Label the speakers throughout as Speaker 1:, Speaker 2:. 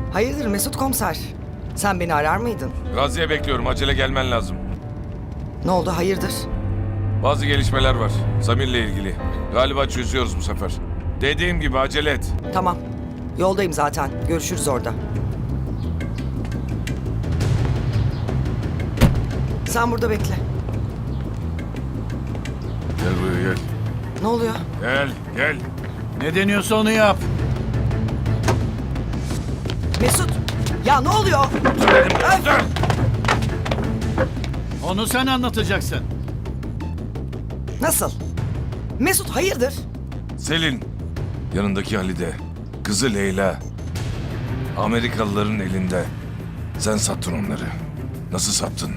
Speaker 1: Hayırdır Mesut komiser? Sen beni arar mıydın?
Speaker 2: Gazi'ye bekliyorum. Acele gelmen lazım.
Speaker 1: Ne oldu hayırdır?
Speaker 2: Bazı gelişmeler var. Samir'le ilgili. Galiba çözüyoruz bu sefer. Dediğim gibi acele et.
Speaker 1: Tamam. Yoldayım zaten. Görüşürüz orada. Sen burada bekle.
Speaker 2: Gel buraya gel.
Speaker 1: Ne oluyor?
Speaker 2: Gel.
Speaker 3: Ne deniyorsa onu yap.
Speaker 1: Mesut! Ya ne oluyor?
Speaker 2: Dur.
Speaker 3: Onu sen anlatacaksın.
Speaker 1: Nasıl? Mesut hayırdır?
Speaker 2: Selin. Yanındaki Halide. Kızı Leyla. Amerikalıların elinde. Sen sattın onları. Nasıl sattın?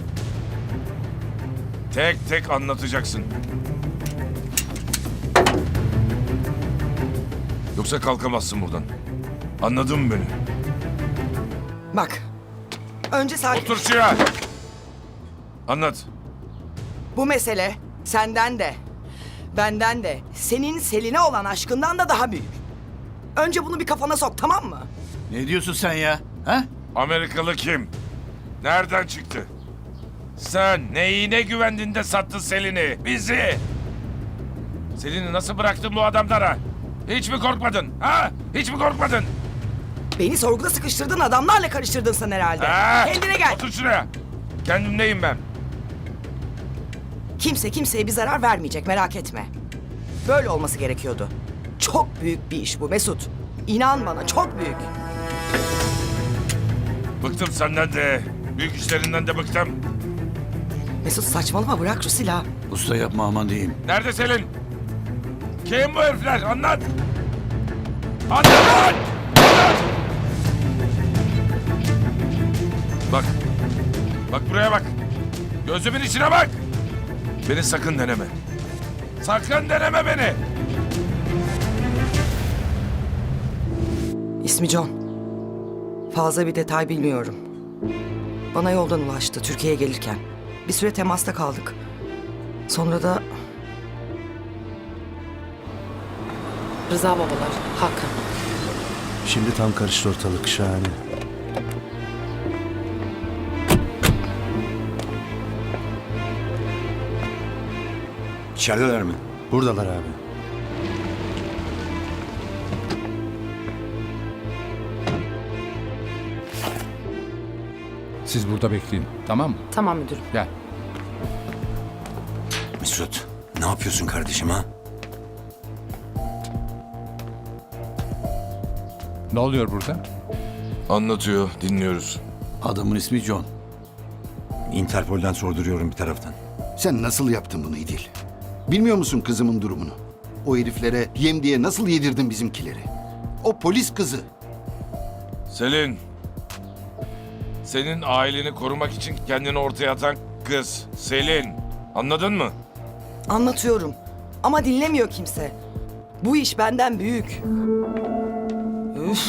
Speaker 2: Tek tek anlatacaksın. Yoksa kalkamazsın buradan. Anladın mı beni?
Speaker 1: Bak. Önce sakin.
Speaker 2: Otur şuraya. Anlat.
Speaker 1: Bu mesele senden de, benden de, senin Selin'e olan aşkından da daha büyük. Önce bunu bir kafana sok, tamam mı?
Speaker 3: Ne diyorsun sen ya? Ha?
Speaker 2: Amerikalı kim? Nereden çıktı? Sen neyine güvendin de sattın Selin'i, bizi? Selin'i nasıl bıraktın bu adamlara? Hiç mi korkmadın? Ha? Hiç mi korkmadın?
Speaker 1: Beni sorguda sıkıştırdın, adamlarla karıştırdın sen herhalde.
Speaker 2: Ha?
Speaker 1: Kendine gel.
Speaker 2: Otur şuraya. Kendimdeyim ben.
Speaker 1: Kimse kimseye bir zarar vermeyecek, merak etme. Böyle olması gerekiyordu. Çok büyük bir iş bu Mesut. İnan bana, çok büyük.
Speaker 2: Bıktım senden de. Büyük işlerinden de bıktım.
Speaker 1: Mesut saçmalama, bırak şu silahı.
Speaker 3: Usta yapma aman diyeyim.
Speaker 2: Nerede Selin? Kim bu herifler? Anlat. Anlat! Anlat! Bak. Bak buraya bak. Gözümün içine bak. Beni sakın deneme. Sakın deneme beni.
Speaker 1: İsmi John. Fazla bir detay bilmiyorum. Bana yoldan ulaştı Türkiye'ye gelirken. Bir süre temasta kaldık. Sonra da
Speaker 4: Rıza babalar, Hakan.
Speaker 5: Şimdi tam karıştı ortalık, şahane.
Speaker 6: İçerideler mi?
Speaker 5: Buradalar abi.
Speaker 7: Siz burada bekleyin. Tamam mı?
Speaker 4: Tamam müdürüm.
Speaker 7: Gel.
Speaker 6: Mesut, ne yapıyorsun kardeşim ha?
Speaker 7: Ne oluyor burada?
Speaker 2: Anlatıyor, dinliyoruz.
Speaker 3: Adamın ismi John.
Speaker 6: Interpol'den sorduruyorum bir taraftan.
Speaker 8: Sen nasıl yaptın bunu İdil? Bilmiyor musun kızımın durumunu? O heriflere yem diye nasıl yedirdin bizimkileri? O polis kızı.
Speaker 2: Selin. Senin aileni korumak için kendini ortaya atan kız. Selin. Anladın mı?
Speaker 1: anlatıyorum. Ama dinlemiyor kimse. Bu iş benden büyük. Üf.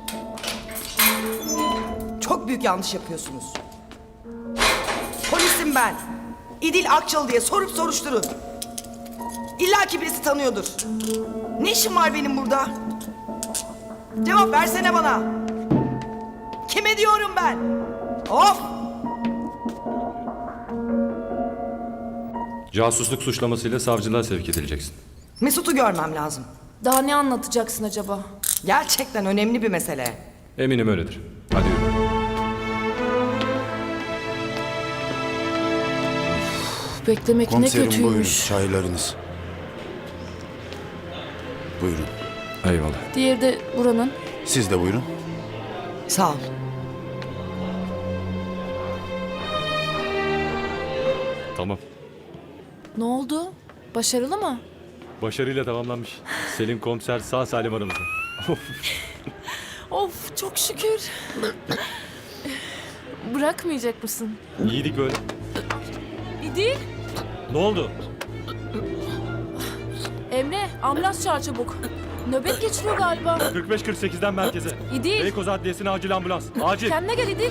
Speaker 1: Çok büyük yanlış yapıyorsunuz. Polisim ben. İdil Akçalı diye sorup soruşturun. İlla ki birisi tanıyordur. Ne işim var benim burada? Cevap versene bana. Kime diyorum ben? Of!
Speaker 9: Casusluk suçlamasıyla savcılığa sevk edileceksin.
Speaker 1: Mesut'u görmem lazım.
Speaker 4: Daha ne anlatacaksın acaba?
Speaker 1: Gerçekten önemli bir mesele.
Speaker 9: Eminim öyledir. Hadi yürü.
Speaker 4: Beklemek ne
Speaker 5: Komiserim buyurun,
Speaker 4: kötüymüş.
Speaker 5: çaylarınız. Buyurun.
Speaker 9: Eyvallah.
Speaker 4: Diğeri de buranın.
Speaker 5: Siz de buyurun.
Speaker 1: Sağ ol.
Speaker 9: Tamam.
Speaker 4: Ne oldu? Başarılı mı?
Speaker 9: Başarıyla tamamlanmış. Selin komiser sağ salim aramızda.
Speaker 4: Of çok şükür. Bırakmayacak mısın?
Speaker 9: İyiydik böyle.
Speaker 4: İdil.
Speaker 9: Ne oldu?
Speaker 4: Emre ambulans çağır çabuk. Nöbet geçiriyor galiba.
Speaker 9: 45-48'den merkeze.
Speaker 4: İdil.
Speaker 9: Beykoz Adliyesi'ne acil ambulans. Acil.
Speaker 4: Kendine gel İdil.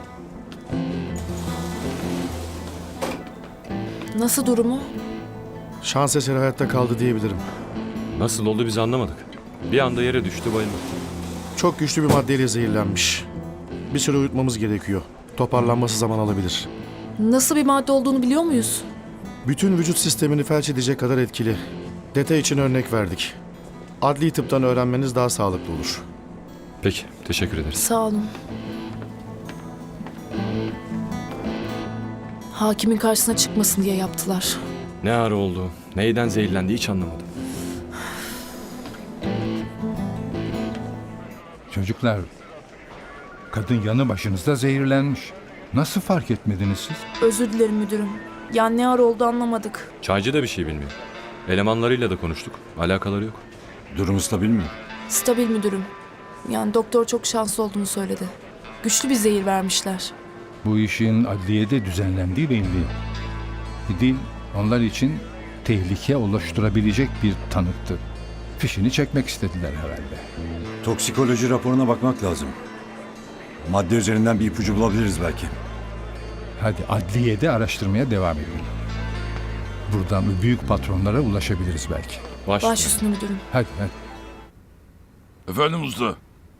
Speaker 4: Nasıl durumu?
Speaker 10: Şans eseri hayatta kaldı diyebilirim.
Speaker 9: Nasıl oldu biz anlamadık. Bir anda yere düştü bayıldı.
Speaker 10: Çok güçlü bir maddeyle zehirlenmiş. Bir süre uyutmamız gerekiyor. Toparlanması zaman alabilir.
Speaker 4: Nasıl bir madde olduğunu biliyor muyuz?
Speaker 10: Bütün vücut sistemini felç edecek kadar etkili. Detay için örnek verdik. Adli tıptan öğrenmeniz daha sağlıklı olur.
Speaker 9: Peki, teşekkür ederiz.
Speaker 4: Sağ olun. Hakimin karşısına çıkmasın diye yaptılar.
Speaker 9: Ne ara oldu, neyden zehirlendi hiç anlamadım.
Speaker 7: Çocuklar, kadın yanı başınızda zehirlenmiş. Nasıl fark etmediniz siz?
Speaker 4: Özür dilerim müdürüm. Yani ne ara oldu anlamadık.
Speaker 9: Çaycı da bir şey bilmiyor. Elemanlarıyla da konuştuk. Alakaları yok.
Speaker 6: Durumu stabil mi?
Speaker 4: Stabil müdürüm. Yani doktor çok şanslı olduğunu söyledi. Güçlü bir zehir vermişler.
Speaker 7: Bu işin adliyede düzenlendiği belli. İdil onlar için tehlike oluşturabilecek bir tanıktı. Fişini çekmek istediler herhalde.
Speaker 6: Toksikoloji raporuna bakmak lazım. Madde üzerinden bir ipucu bulabiliriz belki.
Speaker 7: Hadi adliyede araştırmaya devam edelim. Buradan büyük patronlara ulaşabiliriz belki.
Speaker 4: Baş üstüne müdürüm.
Speaker 7: Hadi.
Speaker 2: Efendim usta.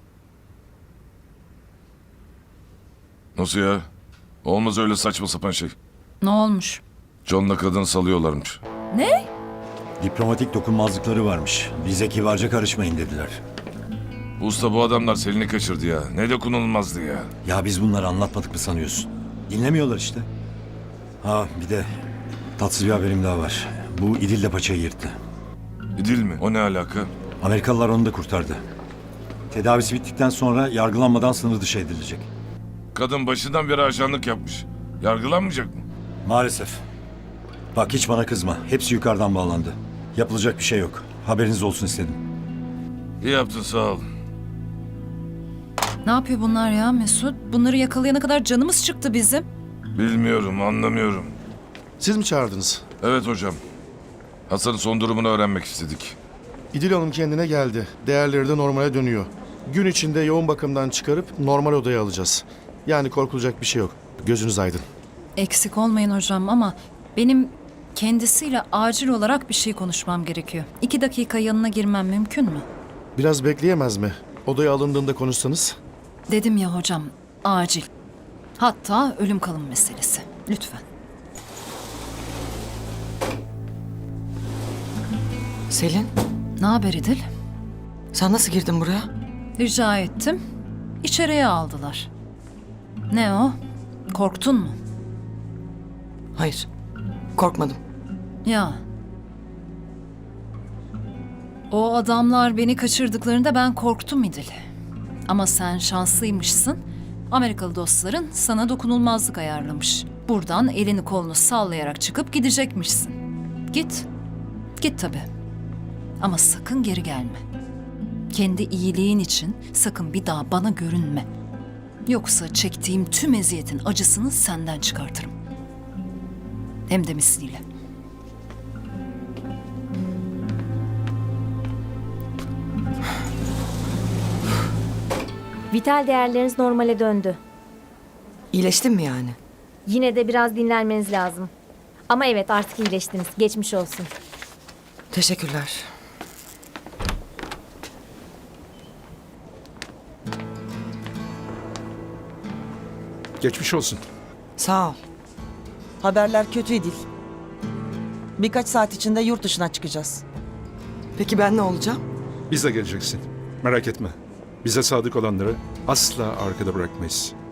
Speaker 2: Nasıl ya? Olmaz öyle saçma sapan şey.
Speaker 11: Ne olmuş?
Speaker 2: John'la kadını salıyorlarmış.
Speaker 6: Diplomatik dokunmazlıkları varmış. Bize kibarca karışmayın dediler.
Speaker 2: Usta bu adamlar Selin'i kaçırdı ya. Ne dokunulmazdı ya.
Speaker 6: Ya biz bunları anlatmadık mı sanıyorsun? Dinlemiyorlar işte. Ha bir de tatsız bir haberim daha var. Bu İdil de paçayı yırttı.
Speaker 2: İdil mi? O ne alaka?
Speaker 6: Amerikalılar onu da kurtardı. Tedavisi bittikten sonra yargılanmadan sınır dışı edilecek.
Speaker 2: Kadın başından beri ajanlık yapmış. Yargılanmayacak mı?
Speaker 6: Maalesef. Bak hiç bana kızma. Hepsi yukarıdan bağlandı. Yapılacak bir şey yok. Haberiniz olsun istedim.
Speaker 2: İyi yaptın sağ ol.
Speaker 11: Ne yapıyor bunlar ya Mesut? Bunları yakalayana kadar canımız çıktı bizim.
Speaker 2: Bilmiyorum, anlamıyorum.
Speaker 10: Siz mi çağırdınız?
Speaker 2: Evet hocam. Hasan'ın son durumunu öğrenmek istedik.
Speaker 10: İdil Hanım kendine geldi. Değerleri de normale dönüyor. Gün içinde yoğun bakımdan çıkarıp normal odaya alacağız. Yani korkulacak bir şey yok. Gözünüz aydın.
Speaker 11: Eksik olmayın hocam ama benim kendisiyle acil olarak bir şey konuşmam gerekiyor. 2 dakika yanına girmem mümkün mü?
Speaker 10: Biraz bekleyemez mi? Odaya alındığında konuşsanız.
Speaker 11: Dedim ya hocam, acil. Hatta ölüm kalım meselesi. Lütfen.
Speaker 1: Selin,
Speaker 11: Ne haber İdil?
Speaker 1: sen nasıl girdin buraya?
Speaker 11: Rica ettim. İçeriye aldılar. Ne o? Korktun mu?
Speaker 1: Hayır, korkmadım.
Speaker 11: Ya. O adamlar beni kaçırdıklarında ben korktum İdil. Ama sen şanslıymışsın. Amerikalı dostların sana dokunulmazlık ayarlamış. Buradan elini kolunu sallayarak çıkıp gidecekmişsin. Git. Git tabii. Ama sakın geri gelme. Kendi iyiliğin için sakın bir daha bana görünme. Yoksa çektiğim tüm eziyetin acısını senden çıkartırım. Hem de misliyle.
Speaker 12: Vital değerleriniz normale döndü.
Speaker 1: İyileştin mi yani?
Speaker 12: Yine de biraz dinlenmeniz lazım. Ama evet artık iyileştiniz. Geçmiş olsun.
Speaker 1: Teşekkürler.
Speaker 10: Geçmiş olsun.
Speaker 1: Sağ ol.
Speaker 13: Haberler kötü değil. Birkaç saat içinde yurt dışına çıkacağız.
Speaker 1: Peki ben ne olacağım?
Speaker 10: Biz de geleceksin. Merak etme. Bize sadık olanları asla arkada bırakmayız.